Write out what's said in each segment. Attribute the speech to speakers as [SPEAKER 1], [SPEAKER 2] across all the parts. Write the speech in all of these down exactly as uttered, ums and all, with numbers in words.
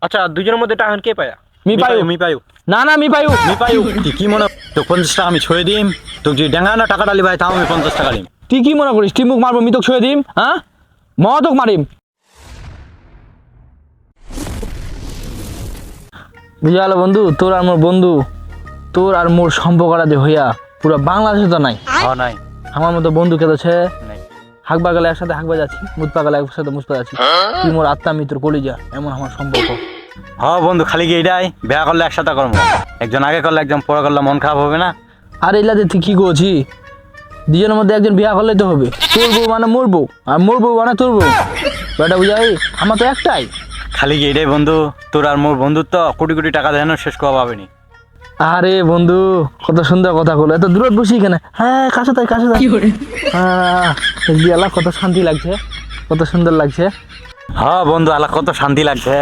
[SPEAKER 1] আচ্ছা দুজনের মধ্যে টাকা কে পায়া?
[SPEAKER 2] মি পায়ু
[SPEAKER 3] মি পায়ু
[SPEAKER 2] না না মি পায়ু
[SPEAKER 3] মি পায়ু তুই কি মনে তো পঞ্চাশ টাকা আমি ছুঁয়ে দিম তোকে যদি ডেঙ্গা না টাকা ডালি ভাই তাও আমি পঞ্চাশ টাকা দিম।
[SPEAKER 2] তুই কি মনে করিস তুই মুখ মারবো মি তোকে ছুঁয়ে দিম? হ্যাঁ মতক মারিম বুঝালো বন্ধু। তোর আর মোর বন্ধু, তোর আর মোর সম্পর্কটা যে হইয়া পুরো বাংলাদেশে তো নাই।
[SPEAKER 3] হ্যাঁ নাই
[SPEAKER 2] আমার মতো বন্ধু কে আছে
[SPEAKER 3] নাই
[SPEAKER 2] হাঁকবা গেলে একসাথে হাঁকবা যাচ্ছি, মুতপা গেলে একসাথে মুতপা যাচ্ছি। তুই মোর আত্মা মিত্র কলিজা, এমন আমার সম্পর্ক।
[SPEAKER 3] হ্যাঁ বন্ধু খালি কি এটাই বিয়া করলে একসাথে করবো, একজন আগে করলে একজন পরে করলে মন খারাপ হবে না?
[SPEAKER 2] আর এলাতে তুই কি করছি? দুজনের মধ্যে একজন বিয়া করলেই তো হবে। তোর বউ মানে মোর বউ আর মোর বউ মানে তোর বউ, বেটা বুঝাই আমার তো একটাই।
[SPEAKER 3] খালি কি এটাই বন্ধু, তোর আর মোর বন্ধুত্ব কোটি কোটি টাকা দেন শেষ করা পাবে নি।
[SPEAKER 2] আরে বন্ধু কত সুন্দর কথা বলো, এত দূরত বসি কেন? হ্যাঁ কাছে তাই কাছে তাই হ্যাঁ বিয়ালা কত শান্তি লাগছে, কত সুন্দর লাগছে।
[SPEAKER 3] হ্যাঁ বন্ধু আলা কত শান্তি লাগছে।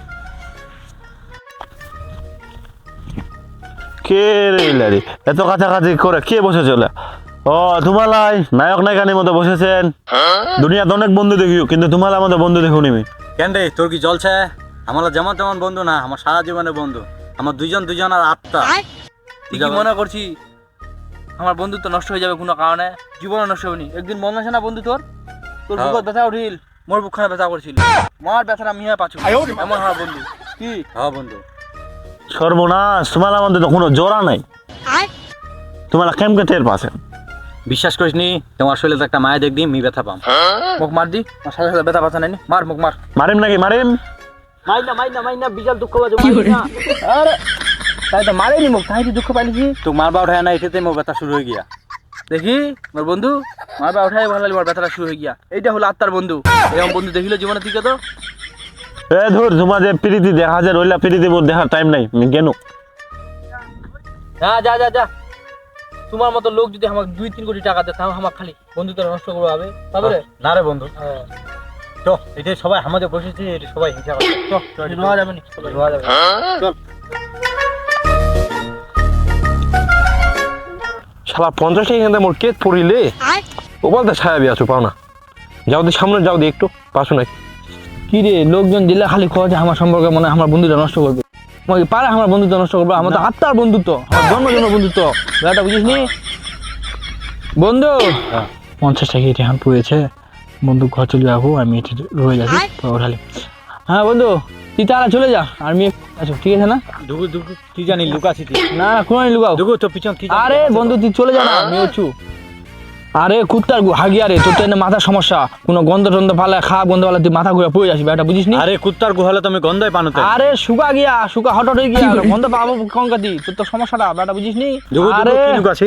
[SPEAKER 4] কে রে লারি এত কাছাকাছি করে কে বসে চলে? ও তোমালাই নায়ক নায়িকানির মতো বসেছেন। দুনিয়াতে অনেক বন্ধু দেখিও কিন্তু তোমার আমাদের বন্ধু দেখুন আমি।
[SPEAKER 3] কেন রে তোর কি জলছে? আমার যেমন তেমন বন্ধু না, আমার সারা জীবনের বন্ধু, আমার দুইজন দুইজন আর আত্মা।
[SPEAKER 2] তুই কি মনে করছি আমার বন্ধুত্ব নষ্ট হয়ে যাবে কোনো কারণে? জীবনে নষ্ট হয়নি। একদিন মনে আছে না বন্ধু তোর, তোর
[SPEAKER 3] হ্যাঁ।
[SPEAKER 2] বুকের ব্যথা উঠিল, মোর বুকখানে ব্যথা করছিল, মার ব্যথাটা মিয়া পাচ্ছ, এমন হয় বন্ধু। কি
[SPEAKER 3] হ্যাঁ বন্ধু
[SPEAKER 4] সর্বনাশ, তোমার আমাদের তো কোনো জোড়া নাই, তোমার কেমকে টের পাচ্ছেন?
[SPEAKER 3] বিশ্বাস করিস নি, তোমার শরীরে তো একটা মায়া দেখবি মি ব্যথা পাম।
[SPEAKER 2] মুখ মার দি, আমার সাথে সাথে ব্যথা ব্যথা নাই, মার মুখ মার।
[SPEAKER 4] মারিম নাকি মারিম?
[SPEAKER 2] মাইনা মাইনা মাইনা বিশাল দুঃখ বাজে মাইনা। আরে তাই তো মারেনি মুখ, তাই তো দুঃখ পাইছি।
[SPEAKER 3] তো মারবা উঠায় না, এটাতে মোর ব্যথা শুরু হয়ে গিয়া।
[SPEAKER 2] দেখি মোর বন্ধু মারবা উঠাই ভালো মোর ব্যথাটা শুরু হয়ে গিয়া। এইটা হলো আত্মার বন্ধু, এরকম বন্ধু দেখিল জীবনে থেকে তো।
[SPEAKER 4] এ ধর তোমার যে প্রীতি দেখা যায় রইলা প্রীতি মোর দেখার টাইম নাই, আমি কেন?
[SPEAKER 2] হ্যাঁ যা যা যা, তোমার মতো লোক যদি আমাকে দুই তিন কোটি টাকা দেয় তাও আমার খালি বন্ধুত্ব নষ্ট করবো হবে তবে রে?
[SPEAKER 3] না রে বন্ধু,
[SPEAKER 2] হ্যাঁ
[SPEAKER 3] তো এটা সবাই আমাদের বসেছে, এটা সবাই হিংসা করে।
[SPEAKER 2] চল রোয়া যাবে নি, রোয়া যাবে চল।
[SPEAKER 1] শালা পঞ্চাশ টাকা এখান থেকে মোর কেত পড়িলে ও বলতে ছায়া বিয়ে আছো পাও না, যাও দি সামনে যাও দি একটু পাশো নাকি।
[SPEAKER 2] কি রে লোকজন দিলে খালি খোঁজে আমার সম্পর্কে, মনে হয় আমার বন্ধুটা নষ্ট করবে। মনে পারে আমার বন্ধুত্ব নষ্ট করবে? আমার তো আত্মার বন্ধুত্ব, আমার জন্ম জন্ম বন্ধুত্ব, ব্যাটা বুঝিস নি বন্ধু? পঞ্চাশ টাকা এটি এখন পড়েছে, বন্ধু ঘর চলে যাবো, আমি এটি রয়ে যাচ্ছি ওঠালে। হ্যাঁ বন্ধু তুই তারা চলে যা, আর মেয়ে আচ্ছা ঠিক আছে না?
[SPEAKER 3] দুগু দুগু কি জানি লুকাছি তুই,
[SPEAKER 2] না না কোনো লুকাও।
[SPEAKER 3] দুগু তো পিছন কি জানি
[SPEAKER 2] আরে বন্ধু তুই চলে যা না, আমি হচ্ছু। আরে কুত্তার হাগিয়া রে, তোর তো এনে মাথার সমস্যা, কোনো গন্ধ টন্ধ ফালে খারাপ গন্ধ ফালে তুই মাথা ঘুরে পড়ে যাসি, ব্যাটা বুঝিস নি?
[SPEAKER 3] আরে কুত্তার গুহালে তো আমি গন্ধই পানোতে।
[SPEAKER 2] আরে শুকা গিয়া, শুকা হঠাৎ হয়ে গিয়া গন্ধ পাবো কঙ্কাতি, তোর তো সমস্যাটা ব্যাটা বুঝিস নি?
[SPEAKER 3] দুগু
[SPEAKER 2] আরে
[SPEAKER 3] দুগু কি লুকাছি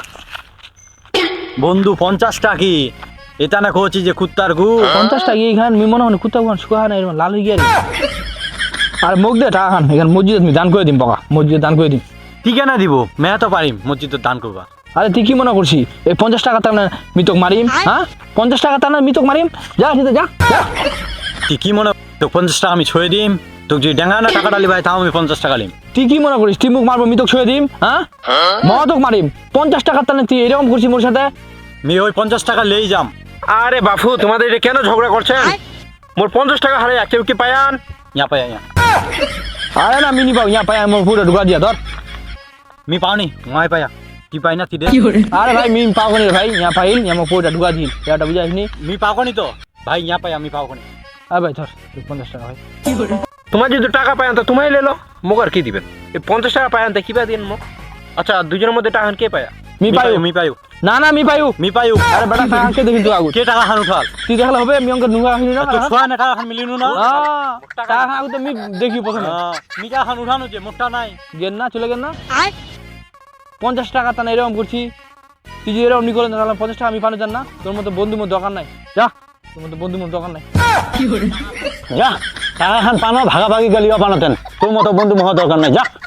[SPEAKER 3] বন্ধু? পঞ্চাশ টাকি এটা না কইছি যে কুত্তার গু।
[SPEAKER 2] পঞ্চাশ টাকা এখানে মি মনে হয় কুত্তা গুহান শুকা না এরকম লাল হয়ে গিয়া রে। আর মুখ দে টাকা খান, এখানে মসজিদে তুমি দান করে দিম, বকা মসজিদে দান করে দিম।
[SPEAKER 3] ঠিক না দিব মেয়া তো পারিম মসজিদে দান করবা।
[SPEAKER 2] আরে তুই কি মনে করছি এই পঞ্চাশ টাকা তার মিতক মারিম? হ্যাঁ পঞ্চাশ টাকা তার মিতক মারিম, যা সেটা যা যা।
[SPEAKER 3] তুই কি মনে তো পঞ্চাশ টাকা আমি ছুঁয়ে দিম, তোকে যদি ডেঙ্গা না টাকা ডালি ভাই তাও আমি পঞ্চাশ টাকা লিম।
[SPEAKER 2] তুই কি মনে করিস তুই মুখ মারবো মিতক ছুঁয়ে দিম? হ্যাঁ মতক মারিম। পঞ্চাশ টাকা তার তুই এরকম করছিস মোর সাথে?
[SPEAKER 3] আমি ওই পঞ্চাশ টাকা লেই যাম।
[SPEAKER 1] আরে বাপু তোমাদের এটা কেন ঝগড়া করছেন? মোর পঞ্চাশ টাকা হারে কেউ কি পায়ান?
[SPEAKER 3] ইয়া পাই ইয়া
[SPEAKER 2] আরে না মিনি পাও ইয়া পাই আমার পুরো ঢুকা দিয়া ধর।
[SPEAKER 3] মি পাওনি মাই পায়া কি পাই না তুই দে।
[SPEAKER 2] আরে ভাই মিন পাও নি ভাই, ইয়া পাইল ইয়া আমার পুরো ঢুকা দিল, এটা বুঝাইস নি?
[SPEAKER 3] মি পাওনি তো ভাই ইয়া পাই আমি পাওনি।
[SPEAKER 2] আরে ভাই ধর পঞ্চাশ টাকা ভাই।
[SPEAKER 1] তোমার যদি টাকা পায়ান তো তোমায় লেলো, মোক আর কি দিবেন? এই পঞ্চাশ টাকা পায়ান তো কিবা দিন মোক। আচ্ছা দুজনের মধ্যে টাকা কে পায়া?
[SPEAKER 2] মি পাইও
[SPEAKER 3] মি পাইও
[SPEAKER 2] না না মি পাইও
[SPEAKER 3] মি পাইও।
[SPEAKER 2] আরে বেটা টাকা কে দেখি তুই আগু
[SPEAKER 3] কে টাকা খান উঠাল?
[SPEAKER 2] তুই দেখলে হবে আমি অঙ্ক নুকা হইনি না?
[SPEAKER 3] তো ছয় না টাকা খান মিলিনু না।
[SPEAKER 2] আহ, টাকা আগু তো মি দেখি প্রথমে
[SPEAKER 3] হ্যাঁ, মি টাকা খান উঠানো যে মোটা নাই।
[SPEAKER 2] গেন না চলে গেন না। পঞ্চাশ টাকা তা না এরকম করছি, তুই যদি এরকম নি করেন তাহলে পঞ্চাশ টাকা আমি পানো জান না? তোর মতো বন্ধু মোর দরকার নাই, যা তোর মতো বন্ধু মোর দরকার নাই।
[SPEAKER 4] যা টাকা খান পানো ভাগাভাগি গেলিও পানোতেন, তোর মতো বন্ধু মহা দরকার নাই, যা।